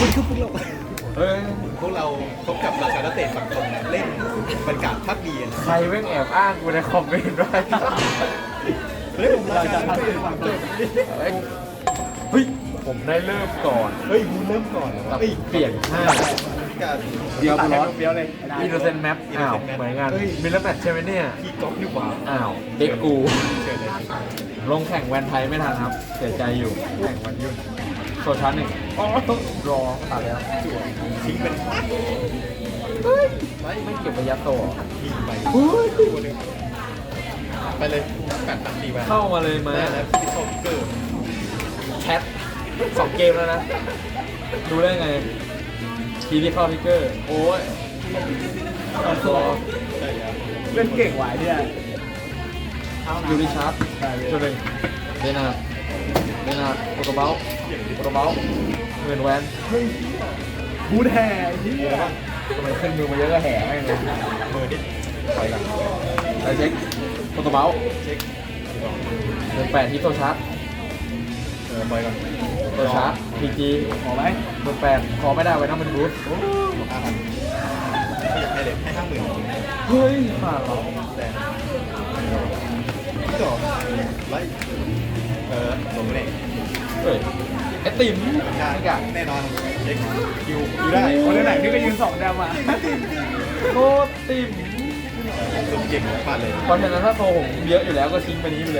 มันคือพวกเราเฮ้ยพวกเราพบกับราชานักเตะฝั่งตรงเล่นบรรยากาศพักดีนะใครแม่งแอบอ้างกูในคอมเมนต์ไว้เฮ้ยผมราชานักเตะฝั่งตรงเฮ้ยผมได้เริ่มก่อนเฮ้ยกูเริ่มก่อนกับเฮ้ยเปลี่ยนห้าการเดียวร้อนเดียวเลยอินโนเซนต์แมปอ้าวเหมือนกันมิลเลอร์แมทใช่ไหมเนี่ยพี่ก๊อฟนี่หว่าอ้าวเด็กกูเชิญเลยลงแข่งแวนไทยไม่ทันครับเสียใจอยู่แข่งวันยุ่นโซชันหนึ่งรอตัดแล้วจั่วทิ้งเป็นไม่เก็บระยะโตเหรอทีไปตัวหนึ่งไปเลยกัดตัดตีไปเข้ามาเลยมาได้แล้วพิซซ่าพิกเกอร์แชท2 เกมแล้วนะ ดูได้ไงทีที่เข้าทิกเกอร์ โอ้ยรอใช่แล้วเล่นเก่งหวายเนี่ยยูริชาร์ดตัวหนึ่งเดนาโปรโตเบลเงินแวนบูทแห่ที่ทำไมขึ้นมือมาเยอะก็แห่แม่งเลยมือดิไปหลังไปเช็คโปรโตเบลเช็คเงิน8ที่โซชาร์ดไปก่อนโซชาร์ดพีจีขอไหมเงิน8ขอไม่ได้ไว้ต้องเป็นบูธ 5,000ไม่อยากให้เลยให้50,000 เฮ้ยมาเหรอแต่พี่ต่อไล่ลงเลยเฮ้ยไอติมใช่นี่กะแน่นอนเช็คคิวได้คนไหนที่ก็ยืน2แดมอ่ะโคตรติมสุดเก่งพลาดเลยเพราะฉะนั้นถ้าโตผมเยอะอยู่แล้วก็ทิ้งไปนี้ไปเลย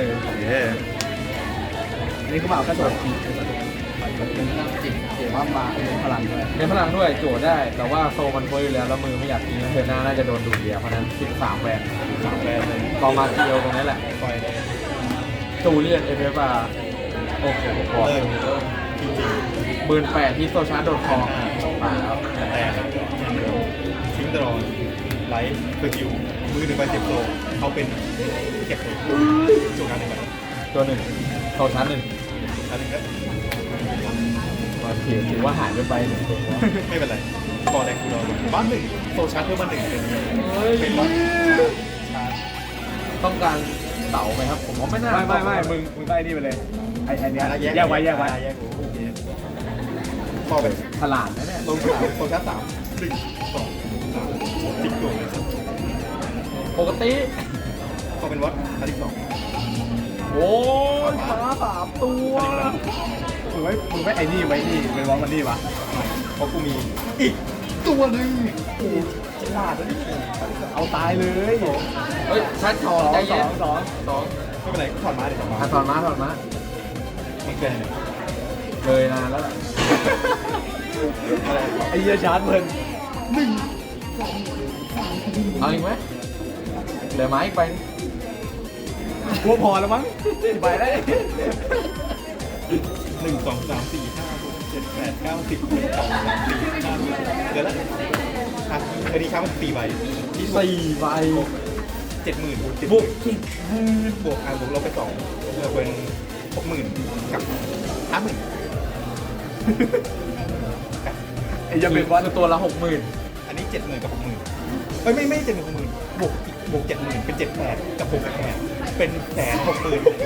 อันนี้คือมาเอากระโดดจีบเดี๋ยวว่ามาเป็นพลังด้วยเน้นพลังด้วยโจทย์ได้ แต่ว่าโซมันโฟอยู่แล้วแล้วมือไม่อยากทิ้งเธอหน้าน่าจะโดนดูดเดียวเพราะฉะนั้น13แวน 3แบรนด์เลยกองมาเกียวตรงนี้แหละปล่อยเลยจูเลียนเอฟเอฟอาร์โอ้โหพอเริ่มจริง 18,000ที่โซชาร์ดโดนคอมาแล้วๆแต่ทิ้งตลอดไลท์สกิลมือหนึ่งใบเจ็บโซเขาเป็นเก็บเลยจุกการหนึ่งใบตัวหนึ่งโซชาร์ดหนึ่งอันนี้ก็มาถือว่าหายไปหนึ่งตัวไม่เป็นไรก่อนแรกกูรอบ้านหนึ่งโซชาร์จเพิ่มบ้านหนึ่งเป็นเฮ้ยเป็นบ้านชาร์จต้องการเต่าไหมครับ ผมว่าไม่น่าไม่มึงก็ไอ้นี่ไปเลยไอ้เนี้ยแยกไว้แยกพอไปฉลาดนะเนี่ยลงสามโซชาร์จ3 1 2 3ติ๊กตัวเลยปกติพอเป็นวัดอันที่2 โอ้ยฟ้า3 ตัวมึงไม่ไอ้นี่ไว้นี่เป็นวอลมันนี่ปะเพราะกูมีอีกตัวหนึ่งโอ้ฉลาดนะนี่เอาตายเลยเฮ้ยชัดทองใจเย็นสองไม่เป็นไรถอดมาเดี๋ยวถอดมาถอดมาไม่เกินเนี่ยเลยนานแล้วล่ะอะไรไอ้เหี้ยชาร์จเพลินเอาอีกไหมเหลือไม้อีกไปกลัวพอแล้วมั้งไปได้ 1 2 3 4 5 6 7 8 9 10 1 2 3 4 5เดี๋ยวละอ่ะคดีค้ามัน4ใบที่สุด 4 ใบ 70,000 บุกบวกบวกลบไป2เป็น60,000กับ50,000 ไอ้ยังเป็นวอลคือตัวละ 60,000 อันนี้ 70,000 กับ 60,000ไม่70,000 60,000บวก 70,000 เป็น 78,000 กับ68,000เป็น160,000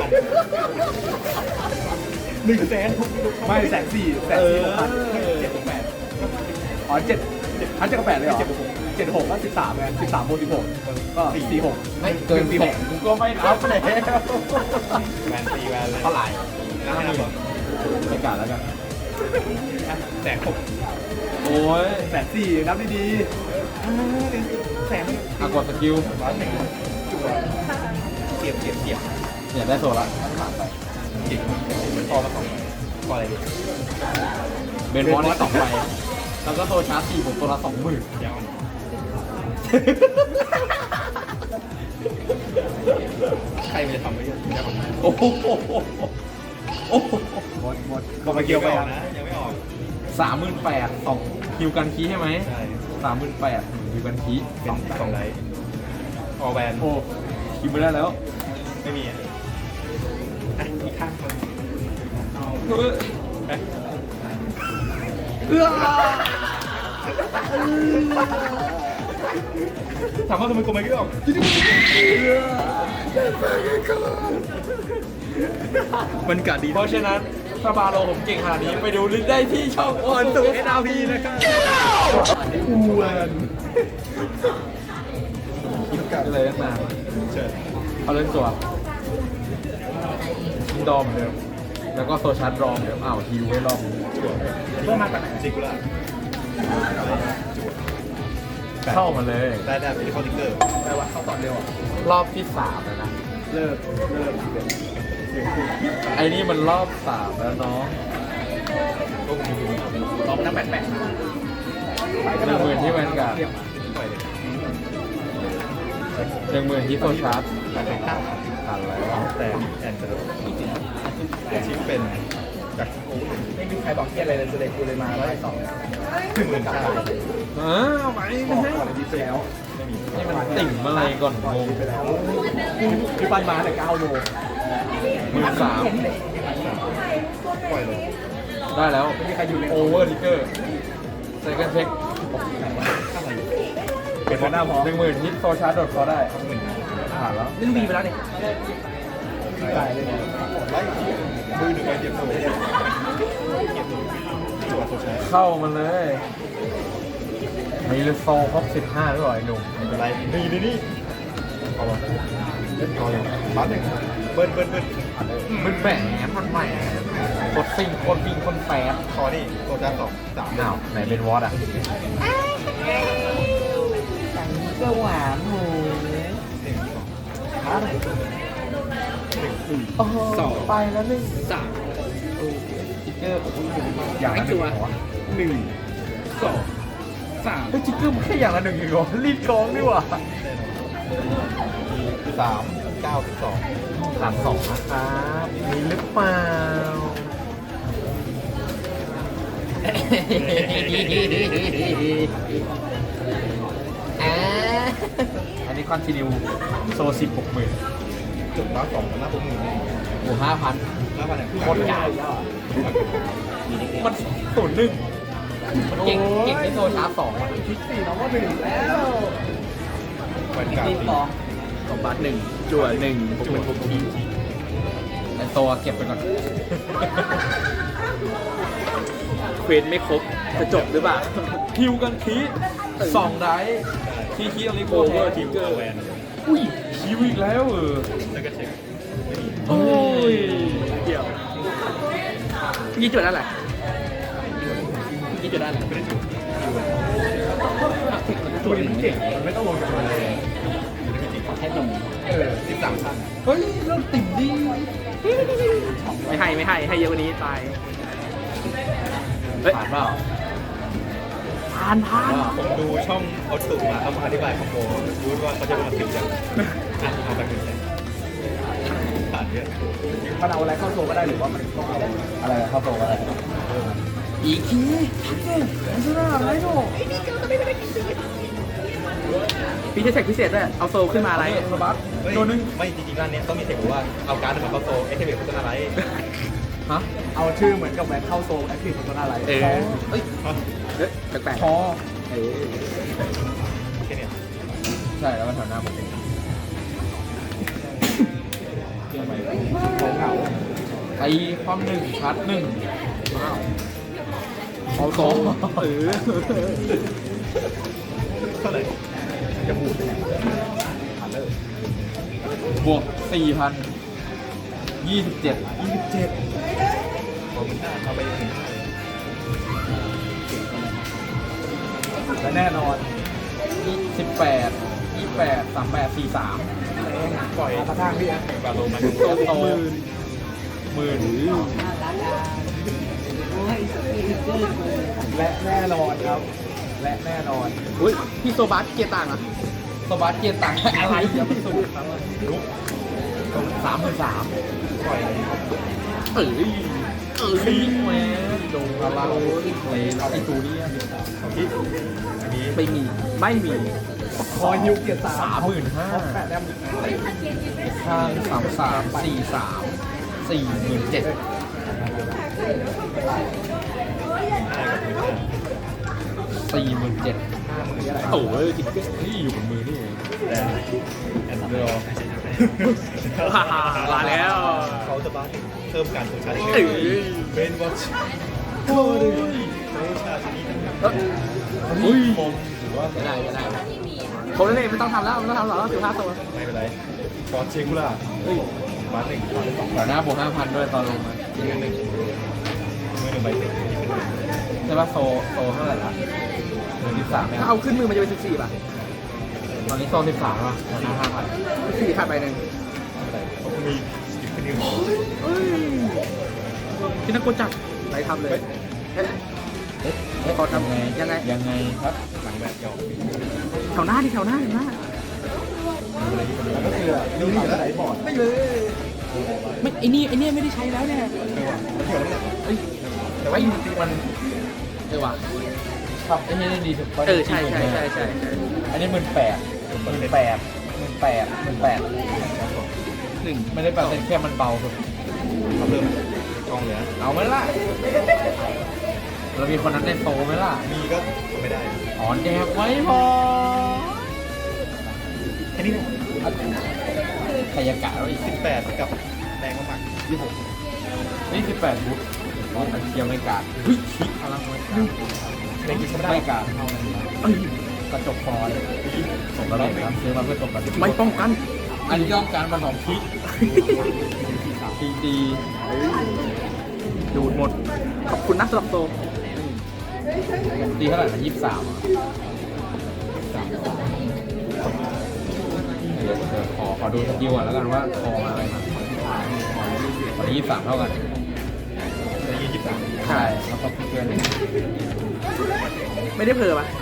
160,000 ไม่140,000 6,000 768 อ๋อ7กับ8เลยเหรอ76ก็13ไง13บวก16ก็46 ไม่เกินแสนกูก็ไม่รับแล้วแวนตีแวนเลยเท่าไหร่ไม่นับหรอไม่กล้าแล้วกัน 160,000 โอ้ย 140,000นับดีอากดสกิลจั่วเสียบเนี่ยได้โซละจิกพอมา2ใบพออะไรดีเบนบอลได้2 ใบแล้วก็โซชาร์จ4ผมตัวละ 20,000 ยาวใครมันจะทำไว้ยาวโอ้โหโอ้โหๆหมดบอกมาเกี่ยวไปออกนะยังไม่ออก 38,000 2คิวกันคีใช่ไหมใช่ 38,000คิวกันคีเป็น2ไลท์ออแวนโอ้คิวไม่ได้แล้วไม่มีอ่ะอีกข้างคนเฮ้ยนะ ถามว่าทำไมกูไม่ออกมันกาดดีเพราะฉะนั้นถ้าบาโลผมเก่งขนาดนี้ไปดูลิสต์ได้ที่ช่องโอนสุเอ็นอาร์พีนะครับอ้วนคิดกันเลยตั้งนานเชิญเอาเล่นตัวดอมเดิมแล้วก็โซชาร์ดรอมเดิมอ้าวฮิวให้รอบจั่วเพื่อมาจากไหนซิกุล่าจั่วเข้ามาเลยได้เป็นคอนิเกอร์แปลว่าเขาตอนเร็วอ่ะรอบที่3แล้วนะเลิกไอ้นี่มันรอบ3แล้วน้องก็คงมีลองนั่งแปะ 10,000ที่แวนการ์ดปล่อยเลย 10,000ที่โซชาร์ดแต่เป็นข้าวผ่านแล้วแต่แอนเซอร์ชิปเป็นจากโอ้ยไม่มีใครบอกเที่ยอะไรเลยกูเลยมาแล้วไอ้สอง 10,000ข้าวเอาไปบอกก่อนดีไปแล้วไม่มีนี่มันติ่งมาอะไรก่อนงงไปแล้วพี่ปั้นมาแต่9โล 13,000 ปล่อยเลยได้แล้วไม่มีใครอยู่ในโอเวอร์ทิกเกอร์เซคันด์เช็คข้าวอะไรเป็นหน้าพอ 10,000ฮิตโซชาร์ดโดดพอได้ผ่านแล้วนี่วีไปแล้วเนี่ยตายเลยไล่มือหนึ่งไปเตรียมโซ่จั่วโซชาร์เข้ามาเลยมีเลโซครบ15ด้วยเหรอไอ้หนุ่มไม่เป็นไรนี่เอาวะเอาเลยบัสหนึ่งเบิ้ลมันแหมมันแหมโคตรซิ่งโคตรวิ่งโคตรแฟร์คอนี่โซชาร์2 3 อ้าวไหนเป็นวอตอ่ะก็หวานหมูโอ้โหไปแล้ว1 3 ทิกเกอร์อย่างละ1เหรอ 1 2 3 เฮ้ยทิกเกอร์มันแค่อย่างละ1เองเหรอรีบกองดีกว่า 3 9 12 ผ่าน2นะครับมีหรือเปล่าอันนี้คอนติเนียโซ10 60,000 จุดร้อย2หน้าปุ๊บมือโอ้5,000 หน้าพันอย่างโคตรใหญ่มัน01มันเก่งที่โซชาร์จ2อ่ะพิกซี่น้องก็1แล้วแวนการ์ดสองบาท1จั่ว1 จุดทุกทีไอตัวเก็บไปก่อนเควสไม่ครบจะจบหรือเปล่าคิวกันคี2ได้คีอะไรโคเวอร์ทิกเกอร์แวนอุ้ยคิวอีกแล้วแล้วก็เช็คไม่มีโอ้ยเดี๋ยวยี่จุดอะไรยี่จุดอะไรไม่ได้จุดตัวนี้มันเก่งมันไม่ต้องลงจากมันเลยแค่ลง13ท่านเฮ้ยเริ่มติ่งดีไม่ให้เยอะกว่านี้ตายผ่านเปล่าผ่านผมดูช่องออตุมาเขาอธิบายคอมโบรู้ว่าเขาจะมาถึงจากเอาไปถึงผ่านเยอะมันเอาอะไรเข้าโซ่ก็ได้หรือว่ามันต้องเอาอะไรเข้าโตอะไรอีกทีพี่จะเสกพิเศษด้วยเอาโซ่ขึ้นมาอะไรสบัสตัวนึงไม่จริงๆร้านนี้ต้องมีเทคว่าเอาการ์ดมาเข้าโซเอเทเบตพัฒนาไรฮะเอาชื่อเหมือนกับแวนเข้าโซ่แอคทีฟมันอะไรเอ้ยแปลกพอแค่นี้ใช่แล้วมันแถวหน้าผมของเหงาไอความ1ชาร์จ1ว้าวเอาโตเท่าไหร่จะบูดบวก 4,000 27 ผมมันน่าเอาไปถึงและแน่นอน 18 28 38 43 ปล่อยมาทางพี่อ่ะบาโลมาแล้วโตหมื่นและแน่นอนครับ และแน่นอนอุ้ยพี่โซบัสเกียร์ต่างอ่ะสบัสเกียร์ต่างอะไรเดี๋ยวมันสูงลุก33,000 ปล่อยเอ้ยลิงแมนโดนเราเลยไอตูนี่ของพี่อันนี้ไม่มีคอยฮิวเกียร์3 35,000 แปดแต้มข้าง33 43 47,000 47,000 โอ้ยจิ๊กนี่อยู่บนมือนี่เองแต่แอนด์เดอร์มาแล้วเขาจะบ้าเพิ่มการตัวชาร์จเอ้ยเป็นวอชโอ้ยโซชาชนิดนั้นอุ้ยผมถือว่าไม่ได้ผมนั่นเองไม่ต้องทำแล้วไม่ต้องทำหรอก15 ตัวไม่เป็นไรฟอร์เชกูล่าเฮ้ยบ้านหนึ่งบ้านสองเดี๋ยวหน้าบวก5,000ด้วยตอนลงมามือหนึ่งใบเสร็จนี่เป็นใช่ป่ะโซเท่าไหร่ละ13เนี่ยถ้าเอาขึ้นมือมันจะเป็น14ป่ะตอนนี้โซ13ป่ะหน้า5,000 14ขาดไปหนึ่งอะไรผมมีสกิปนิวพี่นักกจัดไปทำเลยขอทำยังไงยังไงครับหลังแบบเก่าแถวหน้าดิแถวหน้าแล้วก็คือดูนี่แล้วไหนบอร์ดไม่เลยไม่ไอ้นี่ไม่ได้ใช้แล้วเนี่ยแล้วเกี่ยวแล้วเนี่ยเอ้ยแต่ว่าจริงๆมันว่ะครับไอ้นี่ดีสุดใช่อันนี้18,000 หนึ่งไม่ได้แปลเป็นแค่มันเบาสุดเขาเริ่มกองเหลือเอาไหมล่ะเรามีคนนั้นในโซไหมล่ะมีก็ไม่ได้อ๋อแจกไว้พอแค่นี้นะใครยากะไว้อีก 18กับแดงมากๆ26 นี่18บุ๊คตอนนั้นเกียวไม่กาดเฮ้ยชิพลังไม่กาดในกิจก็ไม่ไม่ได้กาดเท่านั้นกระจกฟอยล์ผมก็เลยครับซื้อมาเพื่อตกกันไม่ป้องกันอันนี้ย่อมการมา2พิกทีดีดูดหมดขอบคุณนะสำหรับโตดีเท่าไหร่นะ23เดี๋ยวขอดูสกิลก่อนแล้วกันว่าคอมาอะไรมาตอนนี้23เท่ากันในยี่สิบสามใช่แล้วก็เพื่อนไม่ได้เผลอป่ะ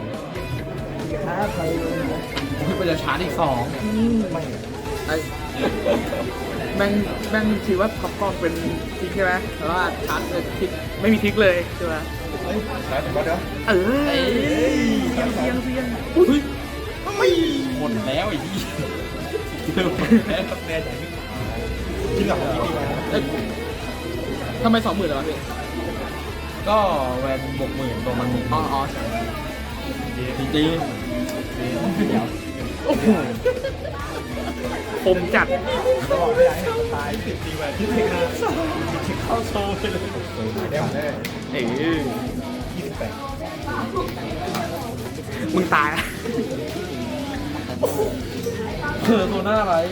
พี่ไปจะชาร์จอีก2 ไม่ไอ้แม่งคิดว่าท็อปกล้องเป็นทิกใช่ไหมแต่ว่าชาร์จเป็นทิกไม่มีทิกเลยใช่ไหมเฮ้ยแล้วแต่ก็เดี๋ยวเสียงอุ้ยไม่หมดแล้วไอ้ที่เริ่มหมดแล้วแน่ใจไม่ที่หลังของพี่ดีมาทำไม20,000เลยวะพี่ก็แวนบวกหมื่นตัวมันหมื่นอ๋อจริงเดี๋ยวโอ้โหคมจัดจะบอกไม่ได้ให้ตาย10 ดีแหวนที่เพลงนะเข้าโชว์ไปเลยเดี๋ยวแน่เอ้ย 28 มึงตายอะเธอตัวหน้าอะไร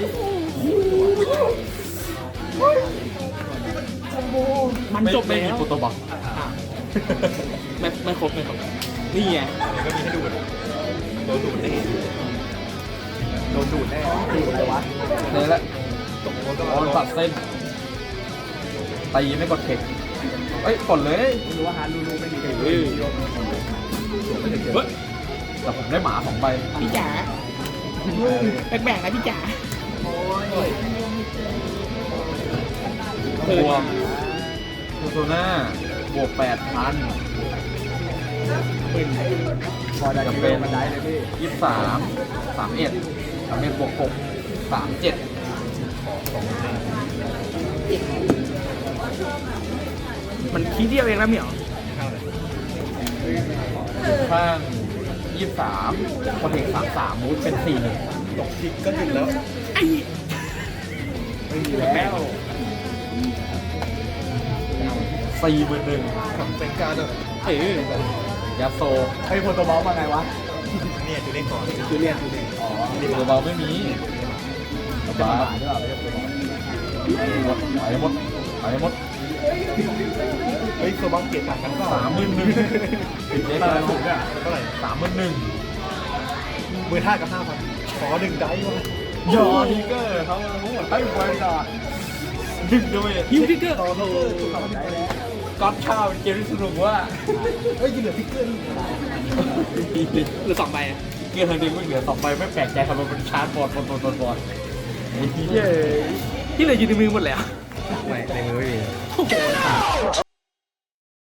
มันจบไม่แล้มีวโปรโตบักไม่ครบนี่ไงเดี๋ยวก็มีให้ดูดโดนดูดแน่โดนดูดแน่ดูดอะไรวะนี่แหละตกโดนโอนตัดเส้นตีไม่กดเทคเอ้ยกดเลยรู้ว่าฮาร์ดรู้ไม่มีใครเฮ้ยเฮ้ยแต่ผมได้หมา2 ใบพี่จ๋าแบ่งๆนะพี่จ๋าบวกตัวหน้าบวก 8,000 พอได้จะเป็น23 31บวก6 37 มันคีย์เดียวเองนะเหมียวข้าง23คนเอก33มูดเป็น41 ตกทิกก็หยุดแล้วไอ้ไม่มีแล้ว 41,000 กับเป็นการแบบยาโซไอ้โปรโตบอลมาไงวะเนี่ยจูเล่นก่อนคือเรียนอ๋อตัวเบาไม่มีบาร์หมดไปหมดเฮ้ยตัวบ้าเกียรต่างกันเปล่า 31,000ติดเด็กตาแล้วถูกอ่ะเท่าไหร่ 31,000 15,000กับ 5,000ขอ1ได้วะยอทิกเกอร์เขาทั้งหมดตั้งไว้ก่อนดึงด้วยฮิวทิกเกอร์ต่อโทรได้แล้วก๊อตข้าวเป็นเกมที่สนุกว่าเฮ้ยยังเหลือทิกเกอร์นี่หรือ2 ใบอะเกมทางดึงไม่เหลือ2 ใบไม่แปลกใจทำไมมันชาร์จบอลไอ้ที่เย้ที่เหลืออยู่ในมือหมดแล้วไม่ในมือไม่มีโอ้โห